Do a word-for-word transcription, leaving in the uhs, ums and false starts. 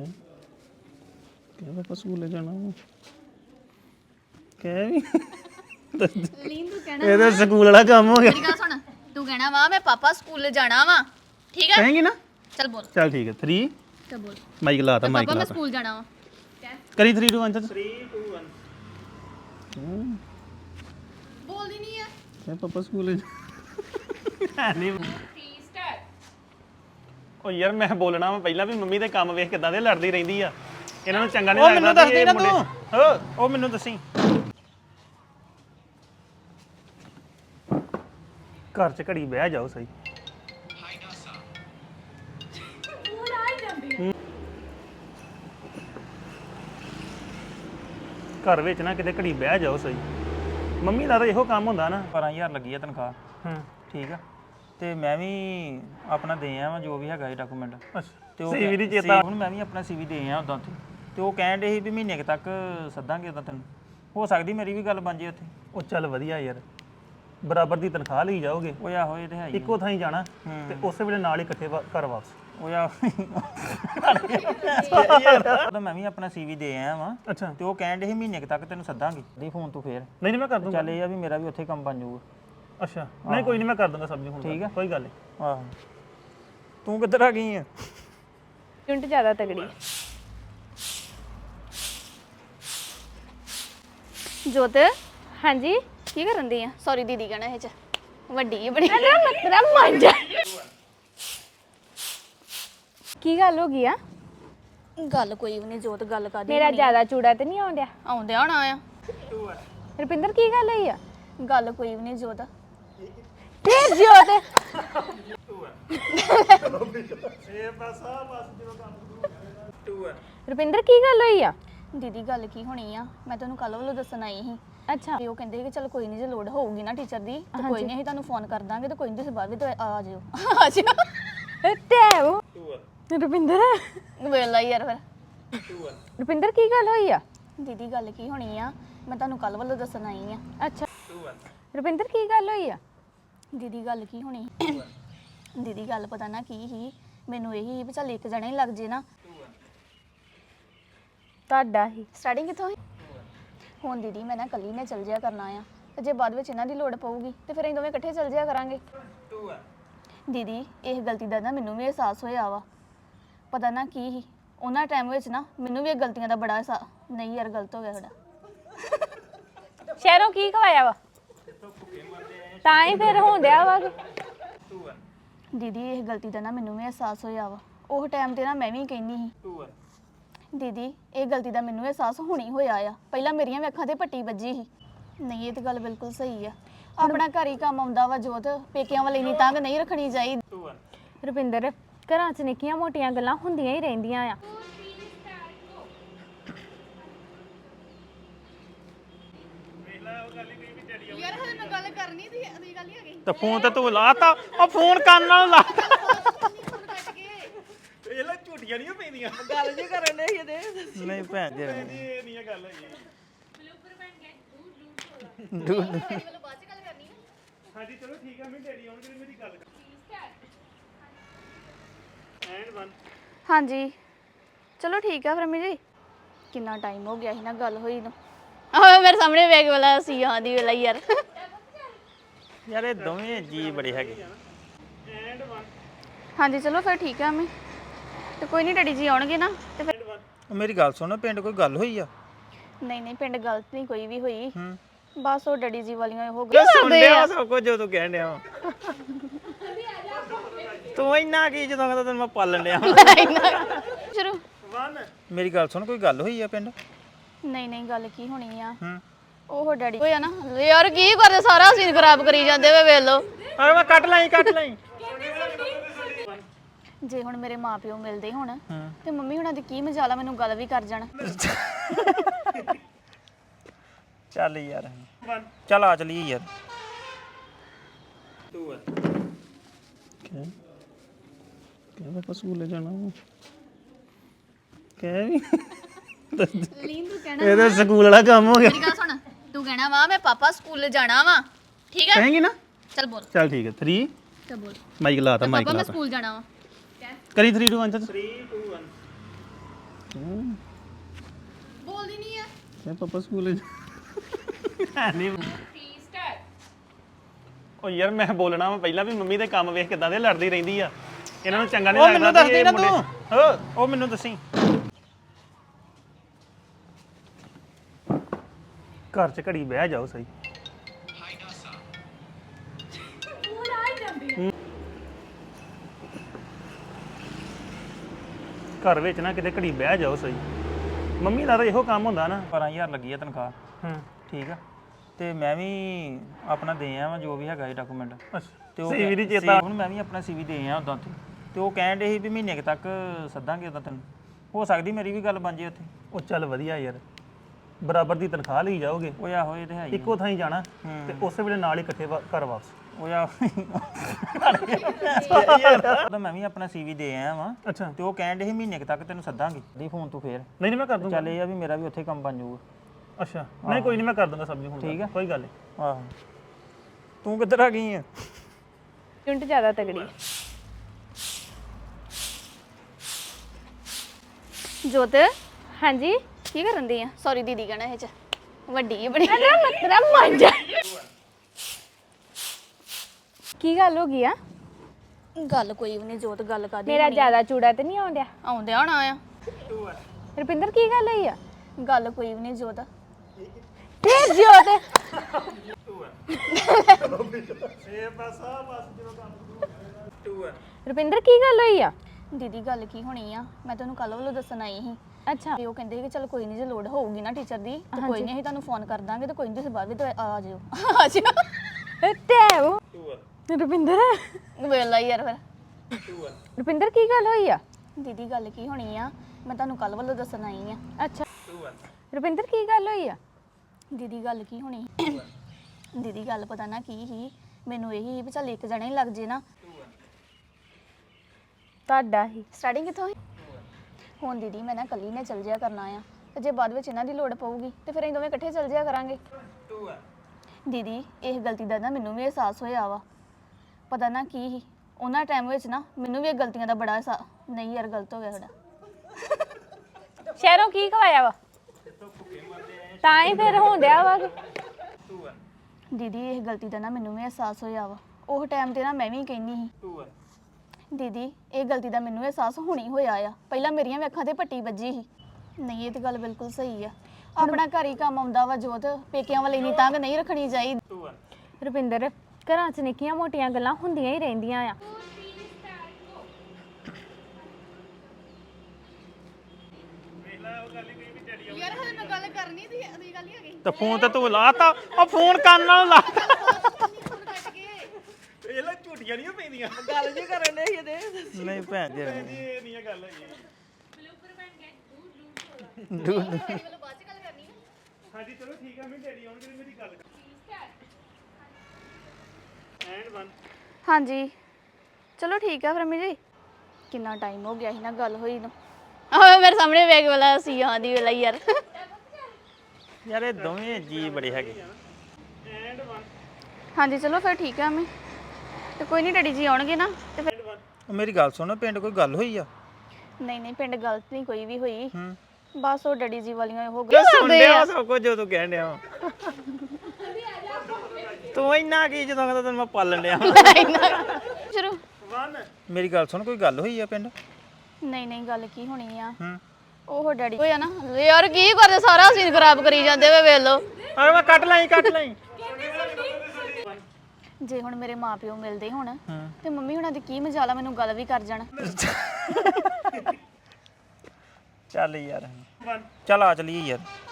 ਕਹਿੰਦਾ ਆਪਾਂ ਸਕੂਲੇ ਜਾਣਾ ਵਾ ਕਹਿ ਵੀ ਲੀਨ ਤੂੰ ਕਹਿਣਾ ਇਹਦਾ ਸਕੂਲ ਵਾਲਾ ਕੰਮ ਹੋ ਗਿਆ ਮੇਰੀ ਗੱਲ ਸੁਣ ਤੂੰ ਕਹਿਣਾ ਵਾ ਮੈਂ ਪਾਪਾ ਸਕੂਲ ਜਾਣਾ ਵਾ ਠੀਕ ਹੈ ਕਹੇਂਗੀ ਨਾ ਚੱਲ ਬੋਲ ਚੱਲ ਠੀਕ ਹੈ तीन ਚੱਲ ਬੋਲ ਮਾਈਕ ਲਾਤਾ ਮਾਈਕ ਪਾਪਾ ਮੈਂ ਲਾਤਾ ਸਕੂਲ ਜਾਣਾ ਵਾ ਕਰੀ तीन टू वन ਚੱਲ तीन टू वन ਬੋਲਦੀ ਨਹੀਂ ਹੈ ਕਹਿ ਪਾਪਾ ਸਕੂਲੇ ਨਹੀਂ ਉਹ ਯਾਰ ਮੈਂ ਬੋਲਣਾ ਵਾ ਪਹਿਲਾਂ ਵੀ ਮੰਮੀ ਦੇ ਕੰਮ ਵੇਖ ਕਿਦਾਂ ਦੇ ਲੜਦੀ ਰਹਿੰਦੀ ਆ ਇਹਨਾਂ ਨੂੰ ਚੰਗਾ ਨਹੀਂ ਉਹ ਲੱਗਦਾ ਮੈਨੂੰ ਦੱਸਦੀ ਨਾ ਤੂੰ ਉਹ ਮੈਨੂੰ ਦੱਸੀ ਘਰ 'ਚ ਘੜੀ ਬਹਿ ਜਾਓ ਸਹੀ ਘਰ ਵਿੱਚ ਨਾ ਕਿਤੇ ਘੜੀ ਬਹਿ ਜਾਓ ਸਹੀ ਮੰਮੀ ਦਾ ਤਾਂ ਇਹੋ ਕੰਮ ਹੁੰਦਾ ਨਾ ਬਾਰਾਂ ਹਜ਼ਾਰ ਲੱਗੀ ਆ ਤਨਖਾਹ ਹਾਂ ਠੀਕ ਆ ਤੇ ਮੈਂ ਵੀ ਆਪਣਾ ਦੇ ਆਵਾਂ ਜੋ ਵੀ ਹੈਗਾ ਇਹ ਡਾਕੂਮੈਂਟ ਅੱਛਾ ਤੇ ਉਹ ਸੀ ਵੀ ਨਹੀਂ ਚੇਤਾ ਹੁਣ ਮੈਂ ਵੀ ਆਪਣਾ ਸੀਵੀ ਦੇ ਆਇਆ ਉਦਾਂ ਤੇ ਤੇ ਉਹ ਕਹਿਣ ਦੇ ਸੀ ਵੀ ਮਹੀਨੇ ਕੁ ਤੱਕ ਸੱਦਾਂਗੇ ਉਦਾਂ ਤੈਨੂੰ ਹੋ ਸਕਦੀ ਮੇਰੀ ਵੀ ਗੱਲ ਬਣ ਜੇ ਉੱਥੇ ਉਹ ਚੱਲ ਵਧੀਆ ਯਾਰ ਬਰਾਬਰ ਦੀ ਤਨਖਾਹ ਲਈ ਜਾਓਗੇ ਉਹ ਆਹੋ ਇਹ ਤੇ ਹੈ ਹੀ ਆ। ਇੱਕੋ ਥਾਂ ਹੀ ਜਾਣਾ ਤੇ ਉਸੇ ਵੇਲੇ ਨਾਲ ਹੀ ਇਕੱਠੇ ਵਾ- ਘਰ ਵਾਪਸ ਉਹ ਆ ਉਦੋਂ ਮੈਂ ਵੀ ਆਪਣਾ ਸੀਵੀ ਦੇ ਆਇਆ ਵਾਂ ਅੱਛਾ ਤੇ ਉਹ ਕਹਿਣ ਦੇ ਸੀ ਮਹੀਨੇ ਕੁ ਤੱਕ ਤੈਨੂੰ ਸੱਦਾਂਗੇ ਦੀ ਫੋਨ ਤੂੰ ਫੇਰ ਨਹੀਂ ਨਹੀਂ ਮੈਂ ਕਰ ਦੂੰਗਾ ਚੱਲ ਇਹ ਆ ਵੀ ਮੇਰਾ ਵੀ ਉੱਥੇ ਕੰਮ ਬਣ ਜਾਊਗਾ ਅੱਛਾ ਨਹੀਂ ਕੋਈ ਨਹੀਂ ਮੈਂ ਕਰ ਦੂੰਗਾ ਸਬਜ਼ੀ ਹੁਣ ਠੀਕ ਆ। ਕੋਈ ਗੱਲ ਨਹੀਂ ਆਹੋ ਤੂੰ ਕਿੱਧਰ ਆ ਗਈ ਆ ਯੂਨਿਟ ਜ਼ਿਆਦਾ ਤਗੜੀ ਜੋਤ ਹਾਂਜੀ ਕੀ ਕਰਨ ਦੀ ਆ ਸੌਰੀ ਦੀਦੀ ਕਹਿਣਾ ਇਹ ਚ ਵੱਡੀ ਹੈ ਬੜੀ ਤੇਰਾ ਮੰਜਾ ਕੀ ਗੱਲ ਹੋ ਗਈ ਆ ਗੱਲ ਕੋਈ ਵੀ ਨਹੀਂ ਜੋਤ ਗੱਲ ਕਰਦੀ ਮੇਰਾ ਜ਼ਿਆਦਾ ਚੂੜਾ ਤੇ ਨਹੀਂ ਆਉਂਦਿਆ ਆਉਂਦੇ ਆਉਣਾ ਆ ਰੁਪਿੰਦਰ ਕੀ ਗੱਲ ਹੋਈ ਆ ਗੱਲ ਕੋਈ ਵੀ ਨਹੀਂ ਜੋਤ ਤੇ ਜਿਓ ਤੇ ਰੁਪਿੰਦਰ ਕੀ ਗੱਲ ਹੋਈ ਆ ਦੀਦੀ ਗੱਲ ਕੀ ਹੋਣੀ ਆ ਮੈਂ ਤੈਨੂੰ ਕੱਲ ਵੱਲੋਂ ਦੱਸਣ ਆਈ ਸੀ ਅੱਛਾ ਤੇ ਉਹ ਕਹਿੰਦੇ ਸੀ ਕਿ ਚਲ ਕੋਈ ਨਹੀਂ ਜੇ ਲੋੜ ਹੋਊਗੀ ਨਾ ਟੀਚਰ ਦੀ ਤੇ ਕੋਈ ਨਹੀਂ ਅਸੀਂ ਤੁਹਾਨੂੰ ਫੋਨ ਕਰ ਦਾਂਗੇ ਤੇ ਕੋਈ ਨਹੀਂ ਤੁਸੀਂ ਬਾਅਦ ਵਿੱਚ ਆ ਜਿਓ ਆ ਜਿਓ ਤੇ ਉਹ ਰੁਪਿੰਦਰ ਵੇਲਾ ਯਾਰ ਫਿਰ ਰੁਪਿੰਦਰ ਕੀ ਗੱਲ ਹੋਈ ਆ ਦੀਦੀ ਗੱਲ ਕੀ ਹੋਣੀ ਆ ਮੈਂ ਤੁਹਾਨੂੰ ਕੱਲ ਵੱਲੋਂ ਦੱਸਣ ਆਈ ਆ ਅੱਛਾ ਰੁਪਿੰਦਰ ਕੀ ਗੱਲ ਹੋਈ ਆ ਦੀਦੀ ਗੱਲ ਕੀ ਹੋਣੀ ਦੀਦੀ ਗੱਲ ਪਤਾ ਨਾ ਕੀ ਸੀ ਮੈਨੂੰ ਇਹੀ ਸੀ ਵੀ ਚੱਲ ਇੱਕ ਜਣਾ ਹੀ ਲੱਗ ਜੇ ਨਾ ਤੁਹਾਡਾ ਹੀ ਸਟਾਰਟਿੰਗ ਕਿੱਥੋਂ ਹੋਈ ਹੁਣ ਦੀਦੀ ਮੈਂ ਨਾ ਕੱਲੀ ਨੇ ਚੱਲ ਜਿਆ ਕਰਨਾ ਆ ਤੇ ਜੇ ਬਾਅਦ ਵਿੱਚ ਇਹਨਾਂ ਦੀ ਲੋੜ ਪਊਗੀ ਤੇ ਫਿਰ ਅਸੀਂ ਦੋਵੇਂ ਇਕੱਠੇ ਚੱਲ ਜਿਆ ਕਰਾਂਗੇ ਦੀਦੀ ਇਹ ਗਲਤੀ ਦਾ ਨਾ ਮੈਨੂੰ ਵੀ ਅਹਿਸਾਸ ਹੋਇਆ ਵਾ ਪਤਾ ਨਾ ਕੀ ਸੀ ਉਹਨਾਂ ਟਾਈਮ ਵਿੱਚ ਨਾ ਮੈਨੂੰ ਵੀ ਇਹ ਗਲਤੀਆਂ ਦਾ ਬੜਾ ਅਹਿਸਾਸ ਨਹੀਂ ਯਾਰ ਗਲਤ ਹੋ ਗਿਆ ਤੁਹਾਡਾ ਸ਼ਹਿਰੋਂ ਕੀ ਖਵਾਇਆ ਵਾ ਤਾਂ ਹੀ ਫਿਰ ਹੁੰਦਿਆ ਵਾ ਕਿ ਦੀਦੀ ਇਹ ਗਲਤੀ ਦਾ ਨਾ ਮੈਨੂੰ ਵੀ ਅਹਿਸਾਸ ਹੋਇਆ ਵਾ ਉਹ ਟਾਈਮ ਤੇ ਨਾ ਮੈਂ ਵੀ ਕਹਿੰਦੀ ਸੀ ਦੀਦੀ ਇਹ ਗਲਤੀ ਦਾ ਮੈਨੂੰ ਅਹਿਸਾਸ ਹੁਣੀ ਹੋਇਆ ਆ ਪਹਿਲਾਂ ਮੇਰੀਆਂ ਵੀ ਅੱਖਾਂ ਤੇ ਪੱਟੀ ਵੱਜੀ ਸੀ ਨਹੀਂ ਇਹ ਤਾਂ ਗੱਲ ਬਿਲਕੁਲ ਸਹੀ ਆ ਆਪਣਾ ਘਰ ਹੀ ਕੰਮ ਆਉਂਦਾ ਵਾ ਜੋਤ ਪੇਕਿਆਂ ਵਾਲੀ ਨਹੀਂ ਤੰਗ ਨਹੀਂ ਰੱਖਣੀ ਚਾਹੀਦੀ ਰੁਪਿੰਦਰ ਘਰਾਂ 'ਚ ਨਿੱਕੀਆਂ ਮੋਟੀਆਂ ਗੱਲਾਂ ਹੁੰਦੀਆਂ ਹੀ ਰਹਿੰਦੀਆਂ ਆ ਯਾਰ ਹਲੇ ਮੈਂ ਗੱਲ ਕਰਨੀ ਸੀ ਅਗਲੀ ਗੱਲ ਹੀ ਆ ਗਈ ਤਾਂ ਫੋਨ ਤਾਂ ਤੂੰ ਲਾਤਾ ਉਹ ਫੋਨ ਕੰਨ ਨਾਲ ਲਾ ਇਹ ਲੈ ਝੂਟੀਆਂ ਨਹੀਂ ਪੈਂਦੀਆਂ ਗੱਲ ਜੀ ਕਰਨ ਦੇ ਇਹਦੇ ਨਹੀਂ ਭੈਣ ਜੀ ਇਹ ਨਹੀਂ ਇਹ ਗੱਲ ਹੈਗੀ ਹਾਂਜੀ ਚਲੋ ਠੀਕ ਆ ਮੈਂ ਡੈਡੀ ਆਉਣਗੇ ਤੇ ਮੇਰੀ ਗੱਲ ਐਂਡ ਵਨ ਹਾਂਜੀ ਚਲੋ ਠੀਕ ਆ ਫਿਰ ਅੰਮੀ ਜੀ ਕਿੰਨਾ ਟਾਈਮ ਹੋ ਗਿਆ ਸੀ ਨਾ ਗੱਲ ਹੋਈ ਨੂੰ ਆਹ ਮੇਰੇ ਸਾਹਮਣੇ ਵੇਖ ਵਾਲਾ ਸੀ ਹਾਂ ਦੀ ਵੇਲਾ ਯਾਰ ਯਾਰ ਇਹ ਦੋਵੇਂ ਜੀ ਬੜੇ ਹੈਗੇ ਐਂਡ ਵਨ ਹਾਂਜੀ ਚਲੋ ਫਿਰ ਠੀਕ ਆ ਅੰਮੀ ਤੇ ਕੋਈ ਨਹੀਂ ਡੈਡੀ ਜੀ ਆਉਣਗੇ ਨਾ ਤੇ ਫਿਰ ਉਹ ਮੇਰੀ ਗੱਲ ਸੁਣ ਪਿੰਡ ਕੋਈ ਗੱਲ ਹੋਈ ਆ ਨਹੀਂ ਨਹੀਂ ਪਿੰਡ ਗਲਤ ਨਹੀਂ ਕੋਈ ਵੀ ਹੋਈ ਹੂੰ ਬਸ ਉਹ ਡੈਡੀ ਜੀ ਵਾਲੀਆਂ ਉਹ ਕਿਉਂ ਸੁਣ ਗੱਲਾਂ ਲਿਆ ਸਭ ਕੁਝ ਜੋ ਤੂੰ ਕਹਿਣ ਡਿਆ ਵਾ ਤੂੰ ਇੰਨਾ ਕੀ ਜਦੋਂ ਕਹਿੰਦਾ ਤੈਨੂੰ ਮੈਂ ਪਾਲਣ ਡਿਆ ਵਾਂ। ਸ਼ੁਰੂ ਵਨ ਮੇਰੀ ਗੱਲ ਸੁਣ ਕੋਈ ਗੱਲ ਹੋਈ ਆ ਪਿੰਡ ਨਹੀਂ ਨਹੀਂ ਗੱਲ ਕੀ ਹੋਣੀ ਆ ਹੂੰ ਉਹ ਡੈਡੀ ਹੋਇਆ ਨਾ ਯਾਰ ਕੀ ਕਰਦੇ ਸਾਰਾ ਸੀਨ ਖਰਾਬ ਕਰੀ ਜਾਂਦੇ ਵੇ ਵੇਖ ਲੋ ਅਰੇ ਮੈਂ ਕੱਟ ਲਈ ਕੱਟ ਲਈ ਜੇ ਹੁਣ ਮੇਰੇ ਮਾਪਿਓ ਮਿਲਦੇ ਹੁਣ ਹੂੰ ਤੇ ਮੰਮੀ ਹੁਣਾਂ ਦੀ ਕੀ ਮਜਾਲਾ ਮੈਨੂੰ ਗੱਲ ਵੀ ਕਰ ਜਾਣ ਚੱਲ ਯਾਰ ਚੱਲ ਆ ਚਲੀਏ ਯਾਰ ਟੂ ਵਨ ਕਹਿੰਦਾ ਆਪਾਂ ਸਕੂਲੇ ਜਾਣਾ ਵਾ ਕਹਿ ਵੀ ਲੀਨ ਤੂੰ ਕਹਿਣਾ ਇਹਦਾ ਸਕੂਲ ਵਾਲਾ ਕੰਮ ਹੋ ਗਿਆ ਮੇਰੀ ਗੱਲ ਸੁਣ ਤੂੰ ਕਹਿਣਾ ਵਾ ਮੈਂ ਪਾਪਾ ਸਕੂਲ ਜਾਣਾ ਵਾ ਠੀਕ ਹੈ ਕਹੇਂਗੀ ਨਾ ਚੱਲ ਬੋਲ ਚੱਲ ਠੀਕ ਹੈ तीन ਚੱਲ ਬੋਲ ਮਾਈਕ ਲਾਤਾ ਮਾਈਕ ਪਾਪਾ ਮੈਂ ਲਾਤਾ ਸਕੂਲ ਜਾਣਾ ਵਾ ਕਰੀ तीन टू वन ਚੱਲ थ्री टू वन ਬੋਲਦੀ ਨਹੀਂ ਆ ਮੈਂ ਪਾਪਾ ਸਕੂਲ ਨਹੀਂ ਉਹ ਯਾਰ ਮੈਂ ਬੋਲਣਾ ਵਾ ਪਹਿਲਾਂ ਵੀ ਮੰਮੀ ਦੇ ਕੰਮ ਵੇਖ ਕਿਦਾਂ ਦੇ ਲੜਦੀ ਰਹਿੰਦੀ ਆ ਇਹਨਾਂ ਨੂੰ ਚੰਗਾ ਨਹੀਂ ਉਹ ਲੱਗਦਾ ਮੈਨੂੰ ਦੱਸ ਵੀ ਦੇ ਇਹ ਨਾ ਮੁੰਡੇ- ਤੂੰ ਹਾਂ। ਉਹ ਮੈਨੂੰ ਦੱਸੀ ਘਰ 'ਚ ਘੜੀ ਬਹਿ ਜਾਓ ਸਹੀ ਘਰ ਵਿੱਚ ਨਾ ਕਿਤੇ ਘੜੀ ਬਹਿ ਜਾਓ ਸਹੀ ਮੰਮੀ ਦਾ ਤਾਂ ਇਹੋ ਕੰਮ ਹੁੰਦਾ ਨਾ ਬਾਰਾਂ ਹਜ਼ਾਰ ਲੱਗੀ ਆ ਤਨਖਾਹ ਹਾਂ ਠੀਕ ਆ ਤੇ ਮੈਂ ਵੀ ਆਪਣਾ ਦੇ ਆਵਾਂ ਜੋ ਵੀ ਹੈਗਾ ਇਹ ਡਾਕੂਮੈਂਟ ਤੇ ਉਹ ਸੀਵੀ ਦੀ ਕਹਿ- ਚੇਤਾ ਹੁਣ ਮੈਂ ਵੀ ਆਪਣਾ ਸੀਵੀ ਦੇ ਆ ਉਦਾਂ ਤੇ ਤੇ ਉਹ ਕਹਿਣ ਦੇ ਸੀ ਵੀ ਮਹੀਨੇ ਕੁ ਤੱਕ ਸੱਦਾਂਗੇ ਉਦਾਂ ਤੈਨੂੰ ਹੋ ਸਕਦੀ ਮੇਰੀ ਵੀ ਗੱਲ ਬਣ ਜੇ ਉੱਥੇ ਉਹ ਚੱਲ ਵਧੀਆ ਯਾਰ ਬਰਾਬਰ ਦੀ ਤਨਖਾਹ ਲਈ ਜਾਓਗੇ ਉਹ ਆਹੋ ਇਹ ਤੇ ਹੈ ਹੀ ਆ। ਇੱਕੋ ਥਾਂ ਹੀ ਜਾਣਾ ਤੇ ਉਸੇ ਵੇਲੇ ਨਾਲ ਹੀ ਇਕੱਠੇ ਵਾ- ਘਰ ਵਾਪਸ ਉਹ ਆ ਤਾਂ ਮੈਂ ਵੀ ਆਪਣਾ ਸੀਵੀ ਦੇ ਆਇਆ ਵਾਂ ਅੱਛਾ ਤੇ ਉਹ ਕਹਿਣ ਦੇ ਸੀ ਮਹੀਨੇ ਕੁ ਤੱਕ ਤੈਨੂੰ ਸੱਦਾਂਗੇ ਦੀ ਫੋਨ ਤੂੰ ਫੇਰ ਨਹੀਂ ਨਹੀਂ ਮੈਂ ਕਰ ਦੂੰਗਾ ਚੱਲ ਇਹ ਆ ਵੀ ਮੇਰਾ ਵੀ ਉੱਥੇ ਕੰਮ ਬਣ ਜਾਊਗਾ ਅੱਛਾ ਨਹੀਂ ਕੋਈ ਨਹੀਂ ਮੈਂ ਕਰ ਦੂੰਗਾ ਸਬਜ਼ੀ ਹੁਣ ਠੀਕ ਆ। ਕੋਈ ਗੱਲ ਨਹੀਂ ਆਹੋ ਤੂੰ ਕਿੱਧਰ ਆ ਗਈ ਆ ਚੁੰਟ ਜ਼ਿਆਦਾ ਤਗੜੀ ਹੈ। ਜੋਤ ਹਾਂਜੀ ਕੀ ਕਰਨ ਦੀ ਆ ਸੌਰੀ ਦੀਦੀ ਕਹਿਣਾ ਇਹ ਚ ਵੱਡੀ ਹੈ ਬੜੀ ਤੇਰਾ ਮੰਜਾ ਕੀ ਗੱਲ ਹੋ ਗਈ ਆ ਗੱਲ ਕੋਈ ਵੀ ਨਹੀਂ ਜੋਤ ਗੱਲ ਕਰਦੀ ਮੇਰਾ ਜ਼ਿਆਦਾ ਚੂੜਾ ਤੇ ਨਹੀਂ ਆਉਂਦਿਆ ਆਉਂਦੇ ਆਣਾ ਆ ਰੁਪਿੰਦਰ ਕੀ ਗੱਲ ਹੋਈ ਆ ਗੱਲ ਕੋਈ ਵੀ ਨਹੀਂ ਜੋਤ ਤੇ ਜੋਤ ਰੁਪਿੰਦਰ ਕੀ ਗੱਲ ਹੋਈ ਆ ਦੀਦੀ ਗੱਲ ਕੀ ਹੋਣੀ ਆ ਮੈਂ ਤੈਨੂੰ ਕੱਲ ਵੱਲੋਂ ਦੱਸਣ ਆਈ ਸੀ ਅੱਛਾ ਤੇ ਉਹ ਕਹਿੰਦੇ ਸੀ ਕਿ ਚਲ ਕੋਈ ਨਹੀਂ ਜੇ ਲੋੜ ਹੋਊਗੀ ਨਾ ਟੀਚਰ ਦੀ ਤੇ ਕੋਈ ਨਹੀਂ ਅਸੀਂ ਤੁਹਾਨੂੰ ਫੋਨ ਕਰ ਦਾਂਗੇ ਤੇ ਕੋਈ ਨਹੀਂ ਤੁਸੀਂ ਬਾਅਦ ਵਿੱਚ ਆ ਜਾਇਓ ਆ ਜਾਇਓ ਤੇ ਉਹ ਰੁਪਿੰਦਰ ਵੇਲਾ ਯਾਰ ਫਿਰ ਰੁਪਿੰਦਰ ਕੀ ਗੱਲ ਹੋਈ ਆ ਦੀਦੀ ਗੱਲ ਕੀ ਹੋਣੀ ਆ ਮੈਂ ਤੁਹਾਨੂੰ ਕੱਲ ਵੱਲੋਂ ਦੱਸਣ ਆਈ ਆ ਅੱਛਾ ਰੁਪਿੰਦਰ ਕੀ ਗੱਲ ਹੋਈ ਆ ਦੀਦੀ ਗੱਲ ਕੀ ਹੋਣੀ ਦੀਦੀ ਗੱਲ ਪਤਾ ਨਾ ਕੀ ਸੀ ਮੈਨੂੰ ਇਹੀ ਸੀ ਵੀ ਚੱਲ ਇੱਕ ਜਣਾ ਹੀ ਲੱਗ ਜੇ ਨਾ ਤੁਹਾਡਾ ਹੀ ਸਟਾਰਟਿੰਗ ਕਿੱਥੋਂ ਹੋਈ ਹੁਣ ਦੀਦੀ ਮੈਂ ਨਾ ਕੱਲੀ ਨੇ ਚੱਲ ਜਿਆ ਕਰਨਾ ਆ ਤੇ ਜੇ ਬਾਅਦ ਵਿੱਚ ਇਹਨਾਂ ਦੀ ਲੋੜ ਪਊਗੀ ਤੇ ਫਿਰ ਅਸੀਂ ਦੋਵੇਂ ਇਕੱਠੇ ਚੱਲ ਜਿਆ ਕਰਾਂਗੇ ਦੀਦੀ ਇਹ ਗਲਤੀ ਦਾ ਨਾ ਮੈਨੂੰ ਵੀ ਅਹਿਸਾਸ ਹੋਇਆ ਵਾ ਪਤਾ ਨਾ ਕੀ ਸੀ ਉਹਨਾਂ ਟਾਈਮ ਵਿੱਚ ਨਾ ਮੈਨੂੰ ਵੀ ਇਹ ਗਲਤੀਆਂ ਦਾ ਬੜਾ ਅਹਿਸਾਸ ਨਹੀਂ ਯਾਰ ਗਲਤ ਹੋ ਗਿਆ ਤੁਹਾਡਾ ਸ਼ਹਿਰੋਂ ਕੀ ਖਵਾਇਆ ਵਾ ਤਾਂ ਹੀ ਫਿਰ ਹੁੰਦਿਆ ਵਾ ਦੀਦੀ ਇਹ ਗਲਤੀ ਦਾ ਨਾ ਮੈਨੂੰ ਵੀ ਅਹਿਸਾਸ ਹੋਇਆ ਵਾ ਉਹ ਟਾਈਮ ਤੇ ਨਾ ਮੈਂ ਵੀ ਕਹਿੰਦੀ ਸੀ ਦੀਦੀ ਇਹ ਗਲਤੀ ਦਾ ਮੈਨੂੰ ਅਹਿਸਾਸ ਹੁਣੀ ਹੋਇਆ ਆ ਪਹਿਲਾਂ ਮੇਰੀਆਂ ਵੀ ਅੱਖਾਂ ਤੇ ਪੱਟੀ ਵੱਜੀ ਸੀ ਨਹੀਂ ਇਹ ਤਾਂ ਗੱਲ ਬਿਲਕੁਲ ਸਹੀ ਆ ਆਪਣਾ ਘਰ ਹੀ ਕੰਮ ਆਉਂਦਾ ਵਾ ਜੋਤ ਪੇਕਿਆਂ ਵਾਲੇ ਇੰਨੀ ਤੰਗ ਨਹੀਂ ਰੱਖਣੀ ਚਾਹੀਦੀ ਰੁਪਿੰਦਰ ਘਰਾਂ 'ਚ ਨਿੱਕੀਆਂ ਮੋਟੀਆਂ ਗੱਲਾਂ ਹੁੰਦੀਆਂ ਹੀ ਰਹਿੰਦੀਆਂ ਆ ਯਾਰ ਹਲੇ ਮੈਂ ਗੱਲ ਕਰਨੀ ਸੀ ਅਦੀ ਗੱਲ ਹੀ ਆ ਗਈ ਤਾਂ ਫੋਨ ਤੇ ਤੂੰ ਲਾਤਾ ਉਹ ਫੋਨ ਕੰਨ ਨਾਲ ਲਾ ਇਹ ਲੈ ਝੂਟੀਆਂ ਨਹੀਂ ਪੈਂਦੀਆਂ ਗੱਲ ਜੀ ਕਰਨ ਦੇ ਇਹਦੇ ਨਹੀਂ ਭੈਣ ਜੀ ਇਹ ਨਹੀਂ ਗੱਲ ਹੈਗੀ ਬਾਅਦ ਚ ਗੱਲ ਕਰਨੀ ਨਾ ਹਾਂਜੀ ਚਲੋ ਠੀਕ ਆ ਮੈਂ ਡੈਡੀ ਆਉਣਗੇ ਤੇ ਮੇਰੀ ਗੱਲ ਐਂਡ ਵਨ ਹਾਂਜੀ ਚਲੋ ਠੀਕ ਆ ਫਿਰ ਮੰਮੀ ਜੀ ਕਿੰਨਾ ਟਾਈਮ ਹੋ ਗਿਆ ਸੀ ਨਾ ਗੱਲ ਹੋਈ ਨੂੰ ਆਹ ਮੇਰੇ ਸਾਹਮਣੇ ਵੇਖ ਵਾਲਾ ਸੀ ਹਾਂ ਦੀ ਵੇਲਾ ਯਾਰ ਯਾਰ ਇਹ ਦੋਵੇਂ ਜੀ ਬੜੇ ਹੈਗੇ ਐਂਡ ਵਨ ਹਾਂਜੀ ਚਲੋ ਫਿਰ ਠੀਕ ਆ ਮੈਂ ਤੇ ਕੋਈ ਨਹੀਂ ਡੈਡੀ ਜੀ ਆਉਣਗੇ ਨਾ ਤੇ ਫਿਰ ਉਹ ਮੇਰੀ ਗੱਲ ਸੁਣ ਪਿੰਡ ਕੋਈ ਗੱਲ ਹੋਈ ਆ ਨਹੀਂ ਨਹੀਂ ਪਿੰਡ ਗਲਤ ਨਹੀਂ ਕੋਈ ਵੀ ਹੋਈ ਹੂੰ ਬਸ ਉਹ ਡੈਡੀ ਜੀ ਵਾਲੀਆਂ ਹੋ ਸੁਣ ਗਈਆਂ ਲਿਆ ਸਭ ਕੁਝ ਜੋ ਤੂੰ ਕਹਿਣ ਡਿਆ ਵਾ ਤੂੰ ਇੰਨਾ ਕੀ ਜਦੋਂ ਕਹਿੰਦਾ ਤੈਨੂੰ ਮੈਂ ਪਾਲਣ ਡਿਆ ਸ਼ੁਰੂ ਮੇਰੀ ਗੱਲ ਸੁਣ ਕੋਈ ਗੱਲ ਹੋਈ ਆ ਪਿੰਡ ਨਹੀਂ ਨਹੀਂ ਗੱਲ ਕੀ ਹੋਣੀ ਆ ਹੂੰ ਉਹ ਡੈਡੀ ਹੋਇਆ ਨਾ ਯਾਰ ਕੀ ਕਰਦੇ ਸਾਰਾ ਸੀਨ ਖਰਾਬ ਕਰੀ ਜਾਂਦੇ ਵੇ ਵੇਖ ਲੋ ਅਰੇ ਮੈਂ ਕੱਟ ਲਈ ਕੱਟ ਲਈ ਜੇ ਹੁਣ ਮੇਰੇ ਮਾਪਿਓ ਮਿਲਦੇ ਹੁਣ ਹੂੰ ਤੇ ਮੰਮੀ ਹੁਣਾਂ ਦੀ ਕੀ ਮਜਾਲਾ ਮੈਨੂੰ ਗੱਲ ਵੀ ਕਰ ਜਾਣ ਚੱਲ ਯਾਰ ਚੱਲ ਆ ਚਲੀਏ ਯਾਰ